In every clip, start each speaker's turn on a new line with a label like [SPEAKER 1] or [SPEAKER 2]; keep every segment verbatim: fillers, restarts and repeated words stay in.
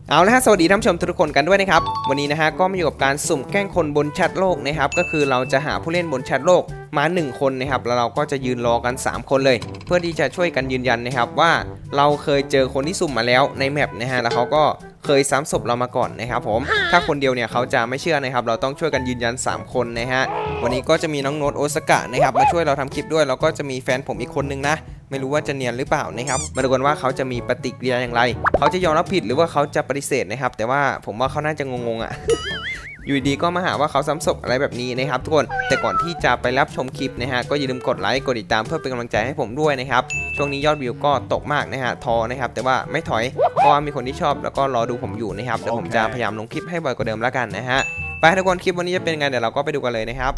[SPEAKER 1] เอาละฮะสวัสดีท่านผู้ชมทุกคนกันด้วยนะครับวันนี้นะฮะก็มาอยู่กับการสุ่มแกล้งคนบนแชทโลกนะครับก็คือเราจะหาผู้เล่นบนแชทโลกมาหนึ่งคนนะครับแล้วเราก็จะยืนรอกันสามคนเลยเพื่อที่จะช่วยกันยืนยันนะครับว่าเราเคยเจอคนที่สุ่มมาแล้วในแมปนะฮะแล้วเขาก็เคยซ้ำศพเรามาก่อนนะครับผมถ้าคนเดียวเนี่ยเขาจะไม่เชื่อนะครับเราต้องช่วยกันยืนยันสามคนนะฮะวันนี้ก็จะมีน้องโน้ตโอซากะนะครับมาช่วยเราทำคลิปด้วยแล้วก็จะมีแฟนผมอีกคนนึงนะไม่รู้ว่าจะเนียนหรือเปล่านะครับมาดูกันว่าเขาจะมีปฏิกิริยาอย่างไรเขาจะยอมรับผิดหรือว่าเขาจะปฏิเสธนะครับแต่ว่าผมว่าเขาน่าจะงงๆอ่ะ อยู่ดีก็มาหาว่าเขาซ้ำศพอะไรแบบนี้นะครับทุกคนแต่ก่อนที่จะไปรับชมคลิปนะฮะก็อย่าลืมกดไลค์กดติดตามเพื่อเป็นกำลังใจให้ผมด้วยนะครับช่วงนี้ยอดวิวก็ตกมากนะฮะทอนะครับแต่ว่าไม่ถอยเพราะว่ามีคนที่ชอบแล้วก็รอดูผมอยู่นะครับเดี๋ยวผมจะพยายามลงคลิปให้บ่อยกว่าเดิมแล้วกันนะฮะไปทุกคนคลิปวันนี้จะเป็นไงเดี๋ยวเราก็ไปดูกันเลยนะครับ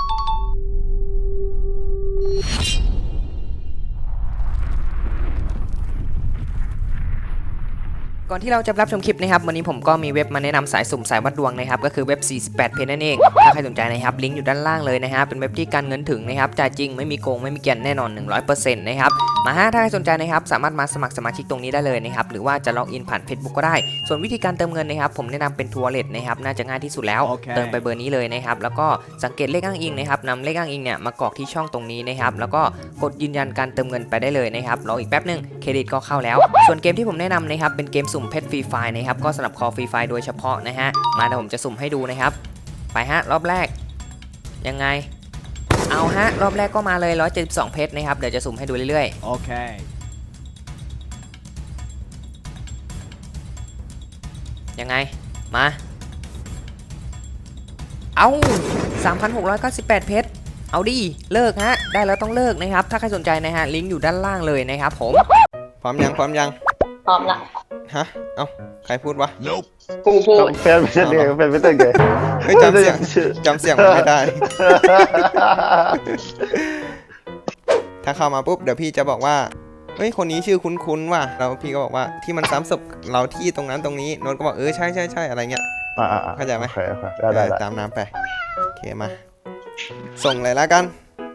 [SPEAKER 1] ก่อนที่เราจะรับชมคลิปนะครับวันนี้ผมก็มีเว็บมาแนะนำสายสุ่มสายวัดดวงนะครับก็คือเว็บสี่สิบแปดเพจนั่นเองถ้าใครสนใจนะครับลิงก์อยู่ด้านล่างเลยนะฮะเป็นเว็บที่การเงินถึงนะครับจ่ายจริงไม่มีโกงไม่มีเกียนแน่นอน หนึ่งร้อยเปอร์เซ็นต์ นะครับมาฮะถ้าใครสนใจนะครับสามารถมาสมัครสมาชิกตรงนี้ได้เลยนะครับหรือว่าจะล็อกอินผ่าน Facebook ก็ได้ส่วนวิธีการเติมเงินนะครับผมแนะนำเป็นทัวร์เลทนะครับน่าจะง่ายที่สุดแล้ว okay. เติมไปเบอร์นี้เลยนะครับแล้วก็สังเกตเลขอ้างอิงนะครับนำเลขอ้างอิงเนี่ยมากรอกที่ช่องตรงนี้นะครับแล้วก็กดยืนยันการเติมเงินไปได้เลยนะครับรออีกแป๊บนึงเครดิตก็เข้าแล้วส่วนเกมที่ผมแนะนำนะครับเป็นเกมสุ่มเพชรฟรีไฟล์นะครับก็สำหรับคอฟรีไฟล์โดยเฉพาะนะฮะมาเดี๋ยวผมจะสุ่มให้ดูนะครับไปฮะรอบแรกยังไงเอาฮะรอบแรกก็มาเลยหนึ่งร้อยเจ็ดสิบสองเพชรนะครับเดี๋ยวจะสุ่มให้ดูเรื่อยๆโอเคยังไงมาเอาสามพันหกร้อยเก้าสิบแปดเพชรเอาดิเลิกฮะได้แล้วต้องเลิกนะครับถ้าใครสนใจนะฮะลิงก์อยู่ด้านล่างเลยนะครับผมพร้อมยังพร้อมยัง
[SPEAKER 2] พร้อมละ
[SPEAKER 1] ฮะเอ้าใครพูดวะ
[SPEAKER 2] กูพูด
[SPEAKER 3] แฟนไม่ใช่เด็กแฟนไม่ใช่เด็ก
[SPEAKER 1] ไม่จำเสียงจำเสียงมันไม่ได้ ถ้าเข้ามาปุ๊บเดี๋ยวพี่จะบอกว่าเฮ้ยคนนี้ชื่อคุ้นๆว่ะแล้วพี่ก็บอกว่าที่มันซ้ำศพเราที่ตรงนั้นตรงนี้โน้ตก็บอกเออใช่ใช่ใช่อะไรเงี้ยเข้าใจไหม
[SPEAKER 3] ได้ได้
[SPEAKER 1] ตามน้ำไปโอเคมาส่งเลยแล้วกัน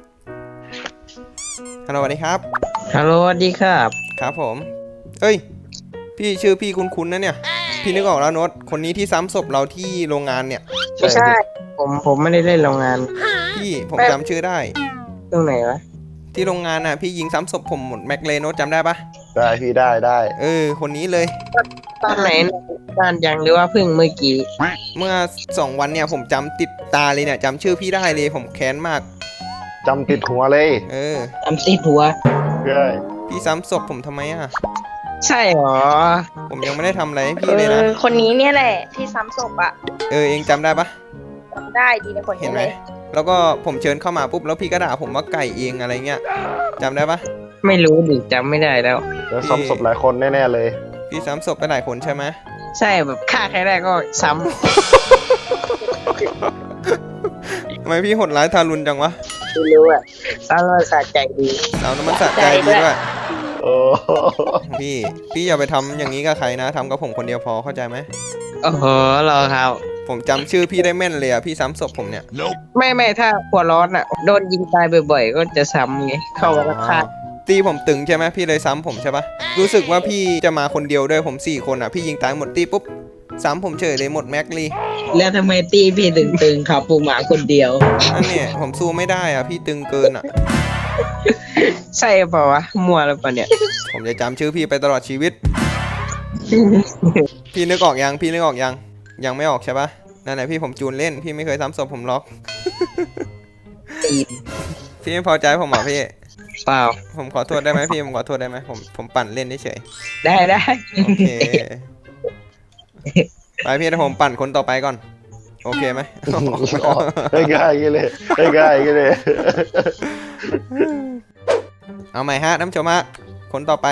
[SPEAKER 1] ฮัลโหลสวัสดีครับ
[SPEAKER 4] ฮัลโหลสวัสดีครับ
[SPEAKER 1] ครับผมเอ้ยพี่ชื่อพี่คุ้นๆนะเนี่ยพี่นึกออกแล้วโน้ตคนนี้ที่ซ้ำศพเราที่โรงงานเนี่ย
[SPEAKER 4] ไม่ใช่ผมผมไม่ได้เล่นโรงงาน
[SPEAKER 1] พี่ผมจำชื่อได้
[SPEAKER 4] ตรงไหนวะ
[SPEAKER 1] ที่โรงงานน่ะพี่ยิงซ้ำศพผมหมดแม็กเลโน้ตจำได้ปะ
[SPEAKER 3] ได้พี่ได้ได้
[SPEAKER 1] เออคนนี้เลย
[SPEAKER 4] ตอนไหนนานยังหรือว่าเพิ่งเมื่อกี้
[SPEAKER 1] เมื่อสองวันเนี่ยผมจำติดตาเลยเนี่ยจำชื่อพี่ได้เลยผมแค้นมาก
[SPEAKER 3] จำติดหัวเลย
[SPEAKER 1] เออ
[SPEAKER 4] จำติดหัว
[SPEAKER 3] ใช่
[SPEAKER 1] พี่ซ้ำศพผมทำไมอ่ะ
[SPEAKER 4] ใช่หรอ
[SPEAKER 1] ผมยังไม่ได้ทำอะไรให้พี่เลยนะ
[SPEAKER 2] คนนี้เนี่ยแหละที่ซ้ำศพอ่ะ
[SPEAKER 1] เออเองจำได้ปะ
[SPEAKER 2] จำได้ดีนะคนนี้เลย
[SPEAKER 1] แล้วก็ผมเชิญเข้ามาปุ๊บแล้วพี่ก็ด่าผมว่าไก่เองอะไรเงี้ยจำได้ปะ
[SPEAKER 4] ไม่รู้ดิจำไม่ได้แล้ว
[SPEAKER 3] แล้วซ้ำศพหลายคนแน่ๆเลย
[SPEAKER 1] พี่ซ้ำศพไปหลายคนใช่ไหม
[SPEAKER 4] ใช่แบบฆ่าใครได้ก็ซ้
[SPEAKER 1] ำทำไมพี่โหดร้ายทารุณจังวะ
[SPEAKER 4] ไม่รู้อ่ะสาวน้ำมันสะใจดี
[SPEAKER 1] สาวน้ำมันสะใจดีด้วย
[SPEAKER 3] โอ้
[SPEAKER 1] พี่พี่อย่าไปทำอย่างนี้กับใครนะทำกับผมคนเดียวพอเข้าใจไหม
[SPEAKER 4] โอ้โหรอครับ
[SPEAKER 1] ผมจำชื่อพี่ได้แม่นเลยอ่ะพี่ซ้ำศพผมเนี่ย
[SPEAKER 4] ไม่ไม่ถ้าหัวร้อนอ่ะโดนยิงตายบ่อยๆก็จะซ้ำไงเข้ามาฆ่า
[SPEAKER 1] ตีผมตึงใช่ไหมพี่เลยซ้ำผมใช่ปะรู้สึกว่าพี่จะมาคนเดียวด้วยผมสี่คนอ่ะพี่ยิงตายหมดตีปุ๊บซ้ำผมเฉยเลยหมดแม็กลี
[SPEAKER 4] แล้วทำไมตีพี่ตึงๆขับปูหมาคนเดียว
[SPEAKER 1] นั่นเนี่ยผมสู้ไม่ได้อ่ะพี่ตึงเกินอ่ะ
[SPEAKER 4] ใช่เปล่าวะมัวแล้วปะเนี่ย
[SPEAKER 1] ผมจะจำชื่อพี่ไปตลอดชีวิต พี่นึกออกยังพี่นึกออกยังยังไม่ออกใช่ปะนั่นแหละพี่ผมจูนเล่นพี่ไม่เคยซ้ำศพผมล็อกพี่ไม่พอใจผมหรอพี่
[SPEAKER 4] เปล่า
[SPEAKER 1] ผมขอโทษได้ไหมพี่ผมขอโทษได้ไหมผมผมปั่นเล่นเฉย
[SPEAKER 4] ได้ได้
[SPEAKER 1] โอเคไปพี่ถ้าผมปั่นคนต่อไปก่อนโอเคไหม
[SPEAKER 3] ได้ง่ายกันเลยได้ง่ายกันเลย
[SPEAKER 1] เอาใหม่ฮะน้ำชมฮะคนต่อไป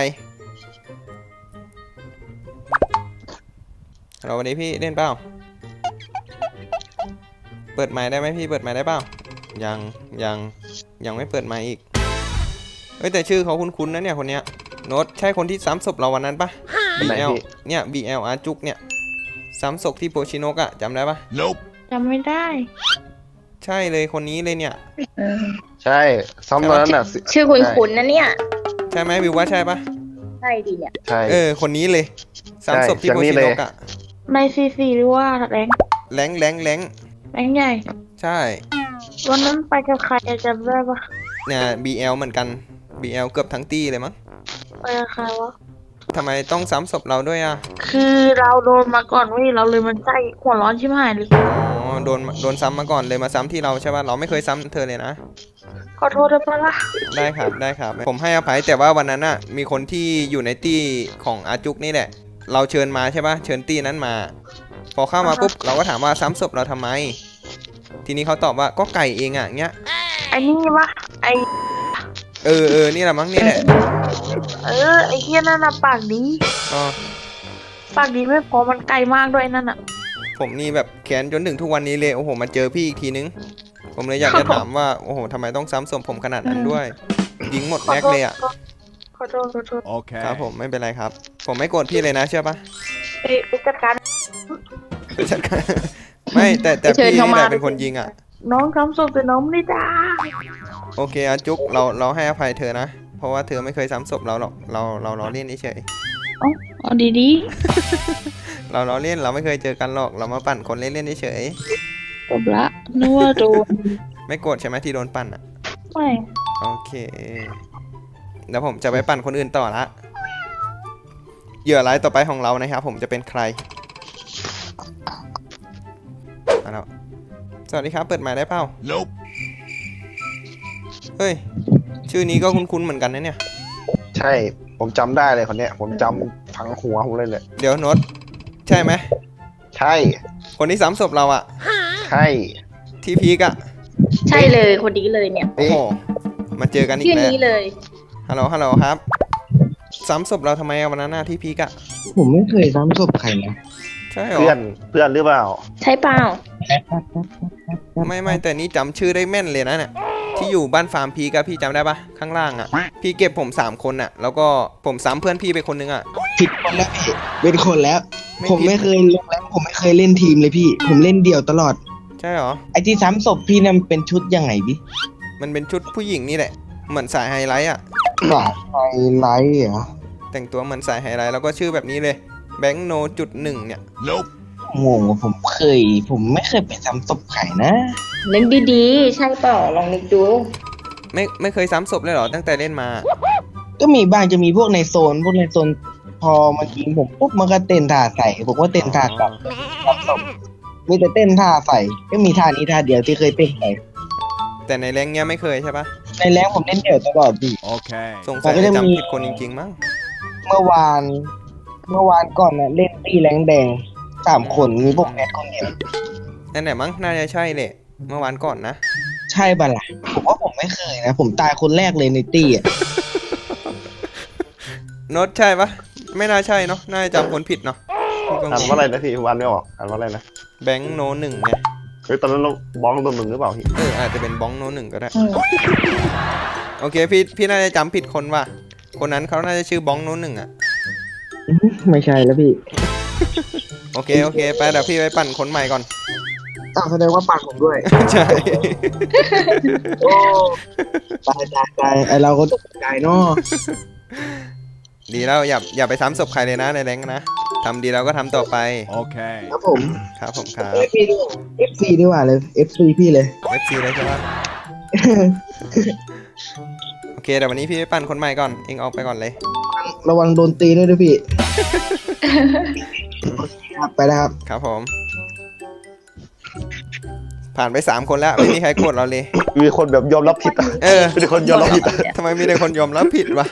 [SPEAKER 1] เราวันนี้พี่เล่นเปล่าเปิดไมค์ได้ไหมพี่เปิดไมค์ได้เปล่ายังยังยังไม่เปิดไมค์อีกเฮ้ยแต่ชื่อเขาคุ้นๆนะเนี่ยคนเนี้ยโน้ตใช่คนที่ซ้ำศพเราวันนั้นปะ บี แอล เนี่ย บี แอล อาจุกเนี่ยซ้ำศพที่โปชิโนกอะจำได้ปะ
[SPEAKER 2] จำไม่ได้
[SPEAKER 1] ใช่เลยคนนี้เลยเนี่ย
[SPEAKER 3] ใช่ซ้ำตอนนั้นน่ะ
[SPEAKER 2] ชื่อคุ้นๆนะเนี่ย
[SPEAKER 1] ใช่ไหมวิวว่าใช่ปะ
[SPEAKER 2] ใช่ดีเนี่ย
[SPEAKER 1] ใช่เออคนนี้เลยซ้ำศพที่โปชิโนกอะ
[SPEAKER 2] ในซีซีหรือว่าแรง
[SPEAKER 1] แรงแรงแรง
[SPEAKER 2] แรงใหญ่
[SPEAKER 1] ใช่
[SPEAKER 2] วันนั้นไปกับใครจำได้ปะ
[SPEAKER 1] เนี่ย บี แอล เหมือนกัน บี แอล เกือบทั้งตี้เลยมั้ง
[SPEAKER 2] ไปกับใครวะ
[SPEAKER 1] ทำไมต้องซ้ำศพเราด้วยอ่ะ
[SPEAKER 2] คือเราโดนมาก่อนเว้ยเราเลยมันใจหัวร้อนชิบหายเลย
[SPEAKER 1] อ๋อโดนโดนซ้ำมาก่อนเลยมาซ้ำที่เราใช่ป่ะเราไม่เคยซ้ำเธอเลยนะ
[SPEAKER 2] ขอโทษได้ปะล่ะ
[SPEAKER 1] ได้ครับได้ครับ ผมให้อภัยแต่ว่าวันนั้นน่ะมีคนที่อยู่ในตี้ของอาจุกนี่แหละ เราเชิญมาใช่ป่ะเชิญตี้นั้นมา พอเข้ามาปุ๊บเราก็ถามว่าซ้ำศพเราทำไม ทีนี้เขาตอบว่าก็ไก่เองอ่ะเงี้ย
[SPEAKER 2] ไอ้นี่ปะไอ
[SPEAKER 1] เออเออนี่แหละมั้งนี่แหละ
[SPEAKER 2] เออไอเฮียนั่นน่ะปากดี
[SPEAKER 1] อ๋อ
[SPEAKER 2] ปากดีไม่พอมันไกลมากด้วยนั่นน่ะ
[SPEAKER 1] ผมนี่แบบแค้นจนถึงทุกวันนี้เลยโอ้โหมาเจอพี่อีกทีนึง ผมเลยอยากจะถามว่าโอ้โหทำไมต้องซ้ำศพผมขนาดนั้นด้วย ยิงหมด
[SPEAKER 2] ขอ
[SPEAKER 1] แม็ก
[SPEAKER 2] โทษ
[SPEAKER 1] เลยอ่ะ
[SPEAKER 2] ขอโทษขอโทษ
[SPEAKER 5] Okay.
[SPEAKER 1] ครับผมไม่เป็นไรครับ ผมไม่โกรธพี่เลยนะเชื่อปะ
[SPEAKER 2] ไปไปจัดการ
[SPEAKER 1] จัดการไม่แต่แต่
[SPEAKER 2] เชิญ
[SPEAKER 1] พี่
[SPEAKER 2] เขา
[SPEAKER 1] นี่
[SPEAKER 2] มา
[SPEAKER 1] แหละเป็นคนยิงอ่ะ
[SPEAKER 2] น้องทำศพแต่น้องไม่ได้จ้า
[SPEAKER 1] โอเคอาจุกเราเราให้อภัยเธอนะ เพราะว่าเธอไม่เคยซ้ำศพเราหรอกเราเราล้อเล่นเฉย
[SPEAKER 2] เอ๋อเอาดี
[SPEAKER 1] ๆเราล้อเล่นเราไม่เคยเจอกันหรอกเรามาปั่นคนเล่นๆเฉย
[SPEAKER 2] ๆจบละนึกว่าโดน
[SPEAKER 1] ๆไม่โกรธใช่ไหมที่โดนปั่นอ่ะ
[SPEAKER 2] ไม่
[SPEAKER 1] โอเคเดี๋ยวผมจะไปปั่นคนอื่นต่อละเหยื่อรายต่อไปของเรานะครับผมจะเป็นใครมาแล้วสวัสดีครับเปิดไมค์ได้เปล่า
[SPEAKER 5] Nope.
[SPEAKER 1] เฮ้ยชื่อนี้ก็คุ้นๆเหมือนกันนะเนี่ย
[SPEAKER 3] ใช่ผมจำได้เลยคนเนี้ยผมจำฝังหัวผมเลยเลย
[SPEAKER 1] เดี๋ยวโน้ตใช่ไหม
[SPEAKER 3] ใช่
[SPEAKER 1] คนที่ซ้ำศพเราอะ
[SPEAKER 3] ใช่
[SPEAKER 1] ที่พีกอะ
[SPEAKER 2] ใช่เลยคนนี้เลยเนี่ย
[SPEAKER 1] โอ้โหมาเจอกันอี
[SPEAKER 2] ชื่
[SPEAKER 1] ก
[SPEAKER 2] อ
[SPEAKER 1] แล้ว
[SPEAKER 2] นี้เลย
[SPEAKER 1] ฮัลโหลฮัลโหลครับซ้ำศพเราทำไมอะวันนั้นหน้าที่พีกอะ
[SPEAKER 4] ผมไม่เคยซ้ำศพใครนะ
[SPEAKER 1] ใช่เหรอ
[SPEAKER 3] เพื่อนเพื่อนหรือเปล่า
[SPEAKER 2] ใช่เปล่า
[SPEAKER 1] ไม่ไม่แต่นี่จำชื่อได้แม่นเลยนะเนี่ยที่อยู่บ้านฟาร์มพีกอะพี่จำได้ปะข้างล่างอะพี่เก็บผมสามคนอะแล้วก็ผมซ้ำเพื่อนพี่ไปคนนึงอะ
[SPEAKER 4] ผิดคนแล้วพี่เป็นคนแล้ว
[SPEAKER 1] ไม่
[SPEAKER 4] ผม
[SPEAKER 1] ผิด
[SPEAKER 4] ไม่เคยลงแล้วผมไม่เคยเล่นทีมเลยพี่ ผมเล่นเดี่ยวตลอด
[SPEAKER 1] ใช่เหรอ
[SPEAKER 4] ไอ้ที่ซ้ำศพพี่นั่นเป็นชุดยังไงพี่
[SPEAKER 1] มันเป็นชุดผู้หญิงนี่แหละเหมือนสายไฮไลท์อะ
[SPEAKER 4] สายไฮไลท์เหรอ
[SPEAKER 1] แต่งตัวเหมือนสายไฮไลท์แล้วก็ชื่อแบบนี้เลยแบงค์โนจุดหนึ่งเนี่ย
[SPEAKER 5] Nope.
[SPEAKER 4] งงว่าผมเคย ผมไม่เคยไปซ้ำศพใครนะ
[SPEAKER 2] นึกดีๆ ใช่เปล่าลองนึกดู
[SPEAKER 1] ไม่ไม่เคยซ้ำศพเลยเหรอตั้งแต่เล่นมา
[SPEAKER 4] ก็มีบ้างจะมีพวกในโซน พวกในโซนพอมายิงผมปุ๊บมันก็เต้นท่าใส่ผมก็เต้นท่ากลับซ้ำศพมีแต่เต้นท่าใส่ก็มีท่านี้ท่าเดียวที่เคยเต้นไป
[SPEAKER 1] แต่ในแรงเนี้ยไม่เคยใช่ปะ
[SPEAKER 4] ในแรงผมเล่นเดี่ยวตลอดพี่
[SPEAKER 5] Okay.
[SPEAKER 1] สงสัย
[SPEAKER 4] แต่ก็
[SPEAKER 1] จะ
[SPEAKER 4] จะมี
[SPEAKER 1] จำผิดคนจริงๆมั้ง
[SPEAKER 4] เมื่อวาน เมื่อวานก่อนนะเล่นตีแรงแดงสามคนมีพวกแอดคนเดียว
[SPEAKER 1] นั่นแหละมั้งน่าจะใช่เลย เมื่อวานก่อนนะ
[SPEAKER 4] ใช่ปะล่ะผมว่าผมไม่เคยนะ ผมตายคนแรกเลยในตี้อ่ะ
[SPEAKER 1] โน้ตใช่ปะไม่น่าใช่เนาะน่าจะจำคนผิดเนาะ
[SPEAKER 3] อ่านว่าอะไรนะพี่วันไม่ออกอ่านว่าอะไรนะ
[SPEAKER 1] แบงค์โนหนึ่งไง
[SPEAKER 3] เฮ้ยตอนนั้นเราบ้องตัวหนึ่งหรือเปล่าพี่
[SPEAKER 1] เอออาจจะเป็นบ้องโนหนึ่งก็ได้ โอเคพี่พี่น่าจะจำผิดคนว่ะคนนั้นเขาน่าจะชื่อบ้องโนหนึ่งอะ
[SPEAKER 4] ไม่ใช่แล้วพี่
[SPEAKER 1] โอเคโอเคไปเดี๋ยวพี่ไปปั่นคนใหม่ก่อน
[SPEAKER 4] อ้าวแสดงว่าปากผมด้วย
[SPEAKER 1] ใช่
[SPEAKER 4] โอ้ตายตายตายไอเราก็ตกใจเนาะ
[SPEAKER 1] ดีแล้วอย่าอย่าไปซ้ำศพใครเลยนะในแรงนะทำดีแล้วก็ทำต่อไป
[SPEAKER 5] Okay.
[SPEAKER 4] ครับผม
[SPEAKER 1] ครับผมครับ
[SPEAKER 4] เอฟซีด้วยเอฟซีดีกว่าเลยเอฟซีพี่เลย
[SPEAKER 1] เอฟซีเลยใช่ปะโอเคเดี๋ยววันนี้พี่ไปปั่นคนใหม่ก่อนเองออกไปก่อนเลย
[SPEAKER 4] ระวังโดนตีด้วยด้วยพี่ ครับไปแล้วครับ
[SPEAKER 1] ครับผม ผ่านไปสามคนแล้วไม่มีใครโกรธเราเลย
[SPEAKER 3] มีคนแบบยอมรับผิดอะ
[SPEAKER 1] เออ
[SPEAKER 3] มีคนยอมรับผิดอะ
[SPEAKER 1] ทำไมมีแต่คนยอมรับผิดวะ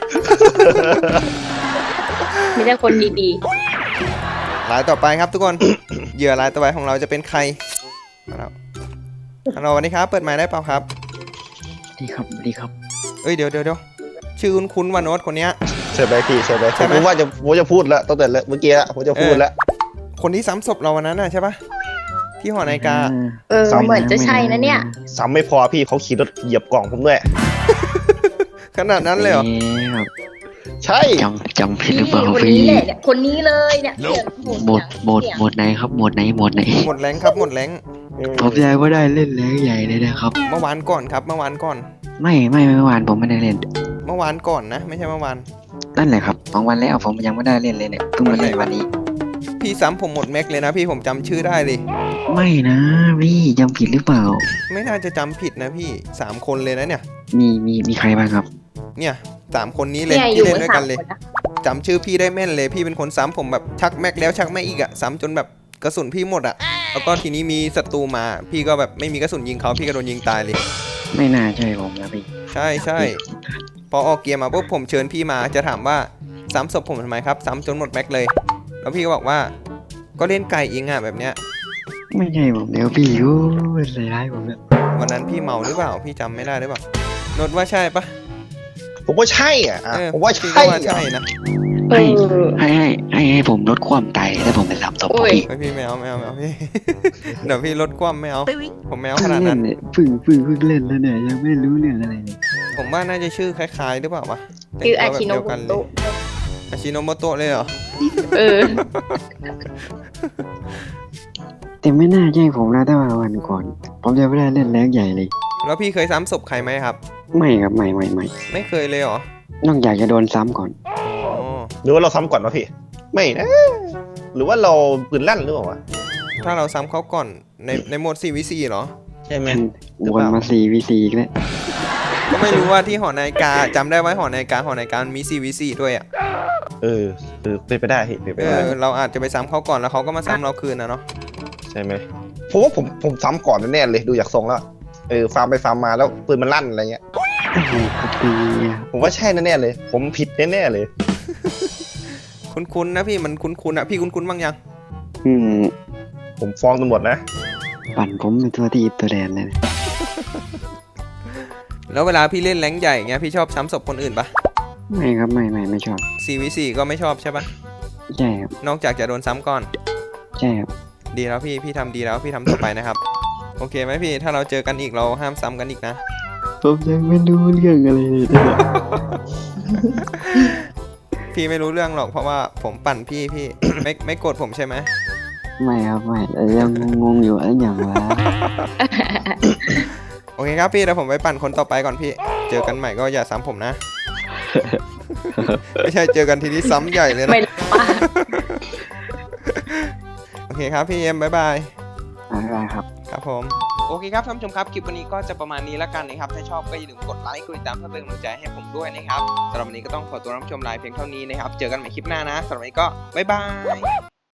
[SPEAKER 2] มีแต่คนดี
[SPEAKER 1] รายต่อไปครับทุกคน เหยื่อรายต่อไปของเราจะเป็นใครมาแล้วฮัลโหลสวัสดีครับเปิดไมค์ได้เปล่าครับ
[SPEAKER 6] ดีครับดีครับ
[SPEAKER 1] เอ้ยเดี๋ยวเดี๋ยวเดี๋ยวชื่อคุ้นๆว่าโน้ตคนเนี้ย
[SPEAKER 3] ใช่ไหมพี่ใช่ไหม
[SPEAKER 1] ใช่ไหม
[SPEAKER 3] ผมว่าจะผมจะพูดแล้วตั้งแต่เมื่อกี้ละผมจะพูดแล้ว
[SPEAKER 1] คนที่ซ้ำศพเราวันนั้นน่ะใช่ปะที่หอนาฬิกา
[SPEAKER 2] ๆ เออ เหมือนจะใช่นะเนี่ย
[SPEAKER 3] ซ้ำไม่พอพี่เขาขี่รถเหยียบกล่องผมด้วย
[SPEAKER 1] ขนาดนั้นเลยเหรอ
[SPEAKER 6] อ๊ะครับ
[SPEAKER 3] ใช่
[SPEAKER 6] จำจำผิดห
[SPEAKER 2] นี่
[SPEAKER 6] รือเปล่า
[SPEAKER 2] คน
[SPEAKER 6] พี่
[SPEAKER 2] นี้แหละเนี่ย คนนี้เลยเนี่ย
[SPEAKER 5] Nope
[SPEAKER 6] โหมดโหมดโหมดไหนครับโหมดไหนโหมดไหน
[SPEAKER 1] หมดแรงครับหมดแรง
[SPEAKER 6] ผมใจว่าได้เล่นแรงใหญ่เลยนะครับ
[SPEAKER 1] เมื่อวานก่อนครับเมื่อวานก่อน
[SPEAKER 6] ไม่ไม่เมื่อวานผมไม่ได้เล่น
[SPEAKER 1] เมื่อวานก่อนนะ ไม่ใช่เมื่อวาน
[SPEAKER 6] นั่นแหละครับสองวันแล้วผมยังไม่ได้เล่นเลยเนี่ยเพิ่งมาเล่นวันนี้
[SPEAKER 1] พี่ซ้ำผมหมดแม็กเลยนะพี่ผมจำชื่อได้เลย
[SPEAKER 6] ไม่นะพี่จำผิดหรือเปล่า
[SPEAKER 1] ไม่น่าจะจำผิดนะพี่สามคนเลยนะเนี่ย
[SPEAKER 6] มีมีมีใครบ้างครับ
[SPEAKER 1] เนี่ยสามคนนี้เลย
[SPEAKER 2] เนี่ยอ
[SPEAKER 1] ที่
[SPEAKER 2] ยู่
[SPEAKER 1] เล่น
[SPEAKER 2] กัน
[SPEAKER 1] ด้วย
[SPEAKER 2] สา
[SPEAKER 1] กั
[SPEAKER 2] ม
[SPEAKER 1] นเลย
[SPEAKER 2] คนนะ
[SPEAKER 1] จำชื่อพี่ได้แม่นเลยพี่เป็นคนซ้ำผมแบบชักแม็กแล้วชักแม็กอีกอะซ้ำจนแบบกระสุนพี่หมดอะแล้วก็ทีนี้มีศัตรูมา พี่ก็แบบไม่มีกระสุนยิงเขาพี่ก็โดนยิงตายเลย
[SPEAKER 6] ไม่น่าใช่ผมนะพี่
[SPEAKER 1] ใช่ใช่พอออกเกียร์มาปุ๊บผมเชิญพี่มาจะถามว่าซ้ำศพผมทำไมครับซ้ำจนหมดแม็กเลย แล้วพี่ก็บอกว่าก็เล่นไก่อิงอะแบบเนี้ย
[SPEAKER 6] ไม่ใช่ผมแล้วพี่โอ้ยใส่ร้ายผมแล้ว
[SPEAKER 1] วันนั้นพี่เมาหรือเปล่าพี่จำไม่ได้หรือเปล่านดว่าใช่ปะ
[SPEAKER 3] ผมว่าใช่อ่ะอ่ะ
[SPEAKER 1] เออ
[SPEAKER 3] ผมว่า
[SPEAKER 1] พี่
[SPEAKER 3] ใช่
[SPEAKER 1] ก็ว่าใช่นะ
[SPEAKER 2] เอ
[SPEAKER 6] ให้
[SPEAKER 2] อ
[SPEAKER 6] ให้ให้ให้ให้ผมลดความไตแล้วผมไปรับศพ
[SPEAKER 2] โอ้ย
[SPEAKER 6] พี่
[SPEAKER 1] ไม่พี่ไม่เอาไม่เอาไม่เอาพี่ เดี๋ยวพี่ลดความไม่เอาผมไม่เอาขนาด
[SPEAKER 6] เล่
[SPEAKER 1] นั้น น
[SPEAKER 6] เนี่ยเพึ่งเพึ่งเพึ่งเล่นแล้วเนี่ยยังไม่รู้เรื่องอะไรเลย
[SPEAKER 1] ผมว่าน่าจะชื่อคล้ายๆหรือเปล่าวะ
[SPEAKER 2] คืออา
[SPEAKER 1] แต่ง
[SPEAKER 2] ชิโน
[SPEAKER 1] ตัวแบบ
[SPEAKER 2] บุ
[SPEAKER 1] เดียวกันเลย
[SPEAKER 2] โตะ
[SPEAKER 1] อาชิโนโมโตะเลยเหรอ
[SPEAKER 2] เออ
[SPEAKER 6] แต่ไม่น่าใช่ผมนะถ้ามาวันก่อน ผมจะไม่ได้เล่นแรงใหญ่เลย
[SPEAKER 1] แล้วพี่เคยซ้ำศพใครไหมครับ
[SPEAKER 6] ไม่ครับไม่ไม่ไม่
[SPEAKER 1] ไม่เคยเลยเหรอ
[SPEAKER 6] นอกจากจะโดนซ้ำก่อน
[SPEAKER 1] อ๋อ
[SPEAKER 3] หรือว่าเราซ้ำก่อนวะพี่ ไม่นะ หรือว่าเราปืนลั่นหรือเปล่าวะ
[SPEAKER 1] ถ้าเราซ้ำเขาก่อนในในโหมด โฟร์ วี โฟร์ เหรอ
[SPEAKER 3] ใช่ไหม
[SPEAKER 6] วนมาสี่วีซีอีกแล้ว
[SPEAKER 1] ก็ไม่รู้ว่าที่หอนาฬิกาจำได้ไว้หอนาฬิกาหอนาฬิกามันมี โฟร์ วี โฟร์ ด้วยอ่ะ
[SPEAKER 3] เออเออเป็นไปได้พี่เป็นไป
[SPEAKER 1] เอ
[SPEAKER 3] ได้
[SPEAKER 1] อเราอาจจะไปซ้ำเขาก่อนแล้วเขาก็มาซ้ำเราคืนนะเนาะ
[SPEAKER 3] ใช่ไหมผมว่าผมผมซ้ำก่อนแน่ๆเลยดูจากทรงแล้วเออฟาร์มไปฟาร์มมาแล้วปืนมันลั่นอะไรเงี้ย
[SPEAKER 6] โอ้โหกระปีอะ
[SPEAKER 3] ผมว่าใช่แน่ๆเลย ผมผิดแน่ๆเลย
[SPEAKER 1] คุ้นๆนะพี่มันคุ้นๆอ่ะพี่คุ้นๆบ้างยัง
[SPEAKER 6] อืม
[SPEAKER 3] ผมฟ้องตำรวจนะ
[SPEAKER 6] ปั่นผมเป็นตัวที่อิบตัวแดนเลยนะ
[SPEAKER 1] แล้วเวลาพี่เล่นแรงค์ใหญ่เงี้ยพี่ชอบซ้ำศพคนอื่นปะ
[SPEAKER 6] ไม่ครับไม่ไม่ไม่ชอบ
[SPEAKER 1] โฟร์ วี โฟร์ ก็ไม่ชอบใช่ปะ
[SPEAKER 6] ใช่ครับ
[SPEAKER 1] นอกจากจะโดนซ้ำก่อน
[SPEAKER 6] ใช่ครับ
[SPEAKER 1] ดีแล้วพี่พี่ทำดีแล้วพี่ทำต่อไปนะครับ โอเคไหมพี่ถ้าเราเจอกันอีกเราห้ามซ้ำกันอีกนะ
[SPEAKER 6] ผมยังไม่รู้เรื่องอะไรเลยนะ
[SPEAKER 1] พี่ไม่รู้เรื่องหรอกเพราะว่าผมปั่นพี่พี่ ไม่ไม่โกรธผมใช่ไหม
[SPEAKER 6] ไม่ครับไม่แต่ยังงงๆอยู่อันอย่างวะ
[SPEAKER 1] โอเคครับพี่เดี๋ยวผมไปปั่นคนต่อไปก่อนพี่ เจอกันใหม่ก็อย่าซ้ำผมนะ ไม่ใช่เจอกันทีนี้ซ้ำใหญ่เลยนะ
[SPEAKER 2] ไม่รู้ว่า
[SPEAKER 1] โอเคครับพี่เอ็มบ๊ายบาย
[SPEAKER 6] อะไรครับ
[SPEAKER 1] ครับผมโอเคครับท่านผู้ชมครับคลิปวันนี้ก็จะประมาณนี้แล้วกันนะครับถ้าชอบก็อย่าลืมกดไลค์กดติดตามเพื่อเป็นกำลังใจให้ผมด้วยนะครับสำหรับวันนี้ก็ต้องขอตัวรับชมไลฟ์เพียงเท่านี้นะครับเจอกันใหม่คลิปหน้านะสำหรับวันนี้ก็บ๊ายบาย